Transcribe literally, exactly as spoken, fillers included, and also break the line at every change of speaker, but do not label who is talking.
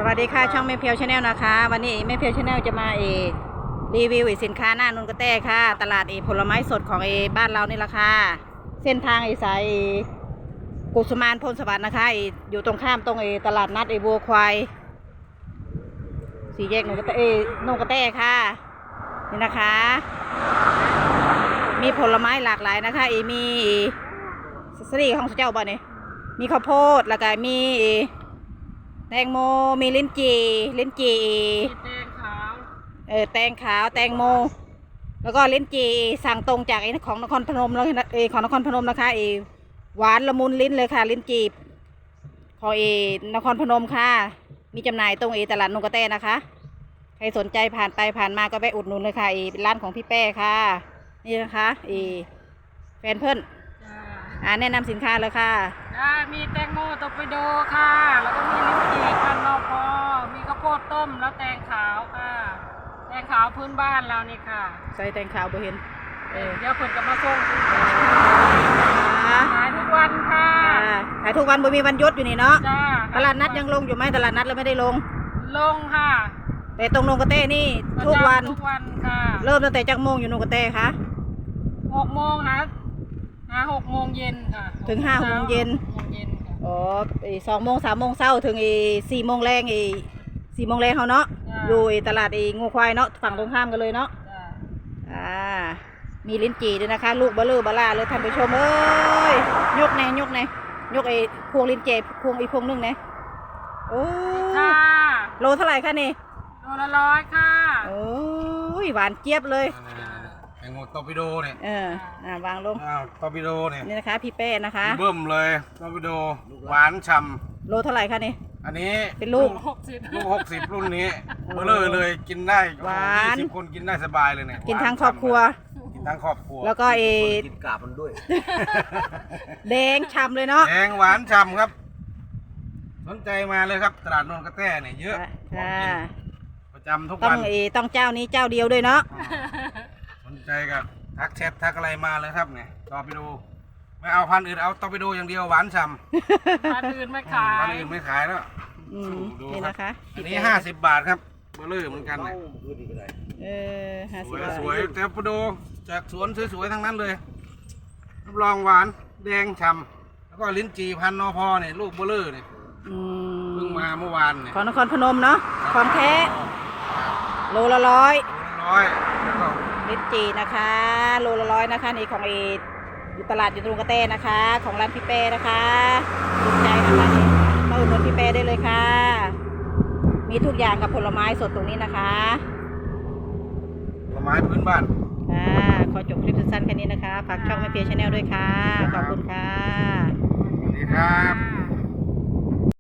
วัสดีค่ะช่องแม่เพียวชาแนลนะคะวันนี้แม่เพียวชาแนลจะมาเอรีวิวสินค้าหน้านนกระแตค่ะตลาดเอผลไม้สดของเอบ้านเรานี่แหละค่ะเส้นทางเอสายกุสุมานพลสวัสดิ์นะคะเออยู่ตรงข้ามตรงเอตลาดนัดเอบัวควายสี่แยกนนกระแตเอนนกระแตค่ะนี่นะคะมีผลไม้หลากหลายนะคะเอมีสตรีของเจ้าบ่เนี่ยมีข้าวโพดแล้วก็มีแตงโมมีลิ้นจี่ลิ้นจี่
แตงขาว
เออแตงขาวแตงโมแล้วก็ลิ้นจี่สั่งตรงจากไอ้ของนครพนมแล้วเออของนครพนมนะคะเอหวานละมุนลิ้นเลยค่ะลิ้นจี่ของเอนครพนมค่ะมีจำหน่ายตรงเอตลาดนงกระแตนะคะใครสนใจผ่านไปผ่านมาก็ไปอุดหนุนเลยค่ะเอเป็นร้านของพี่แป้ค่ะนี่นะคะเอแฟนเพื่อนอ่าแนะนำสินค้าเลยค่ะ
ได้มีแตงโมตกไปโดค่ะแล้วก็มีลิ้นจี่พันนอพอมีข้าวโพดต้มแล้วแตงขาวค่ะแตงขาวพื้นบ้านเรานี่ค่ะ
ใส่แตงขาวบ่เห็น
เออเดี๋ยวคนกับมาส่งขายทุกวันค่ะ
ขายทุกวันบ่มีวันหยุดอยู่นี่เนาะ
จ้า
ตลาดนัดยังลงอยู่ไหมตลาดนัดเราไม่ได้ลง
ลงค่ะ
แต่ตรงนงกระเต้นี่ทุกวัน
ทุกวันค่ะ
เริ่มตั้งแต่จักโมงอยู่นงกระเต้คะ
หกโมงฮะหาหกโมงเย็นค่ะ
ถึงห้าโมงเย็นอ๋อสองโมงสามโมงเช้าถึงอีสี่โมงแรงอีสี่โมงแรงเขาเนาะอยู่ตลาดอีงูควายเนาะฝั่งตรงข้ามกันเลยเนาะอ่ามีลิ้นจี่ด้วยนะคะลูกบะเลือบะล่าเลยท่านผู้ชมเอ้ยยกแน่ยกแน่ยกไอ้พวงลิ้นจี่พวงอีพวงนึงแน่โอ้โลเท่าไหร่คะนี่
โลละร้อยค่ะ
โอ้ยหวานเจี๊ยบเลย
แตงโมตอร์ปิโดเนี่ย
เอออ่าวางลง
อ้าวตอร์ปิโดเนี่ย
นี่นะคะพี่เป้นะคะ
เบิ่มเลยตอร์ปิโดหวานฉ่ำ
โลเท่าไหร่คะนี่
อันนี้
เป็นลูก
หกสิบ
ลูกหกสิบรุ่นนี้เบลอเลยกินได้
หวาน
ยี่สิบคนกินได้สบายเลยเนี่ย
กินทั้งครอบครัว
กินทั้งครอบครัว
แล้วก็เอ
กินกาบมันด้วย
แดงฉ่ำเลยเนาะ
แดงหวานฉ่ำครับสนใจมาเลยครับตลาดนนกระแตเนี่ยเยอะประจำทุกวัน
ต้องเอต้องเจ้านี้เจ้าเดียวด้วยเนาะ
สนใจกับทักแชททักอะไรมาเลยครับเนี่ยตอร์ปิโดไม่เอาพันอื่นเอาตอร์ปิโดอย่างเดียวหวานฉ่
ำพันอื่นไม่ขาย
พันอื่นไม่ขายแล้ว
นี่นะคะ
อันนี้ห้าสิบบาทครับเบลอเหมือนกันเนี่ย
เออห้าสิบ
บาทสวยตอร์ปิโดจากสวนสวยๆทั้งนั้นเลยรับรองหวานแดงฉ่ำแล้วก็ลิ้นจี่พันนอพอเนี่ยลูกเบลอเนี่ยเพิ่งมาเมื่อวานเนี่ย
ของนครพนมเนาะของแท้โลละร้อย
ร้อย
ลิ้นจี่นะคะโลละร้อยนะคะนี่ของเออยู่ตลาดอยู่ตรงกระเต้นะคะของร้านพี่เป้นะคะถูกใจนะคะนี่มาอุดหนุนพี่เป้ได้เลยค่ะมีทุกอย่างกับผลไม้สดตรงนี้นะคะ
ผลไม้พื้นบ้าน
ค่ะขอจบคลิปสั้นๆแค่นี้นะคะฝากช่องแม่เพียชาแนลด้วยค่ะขอบคุณค่ะ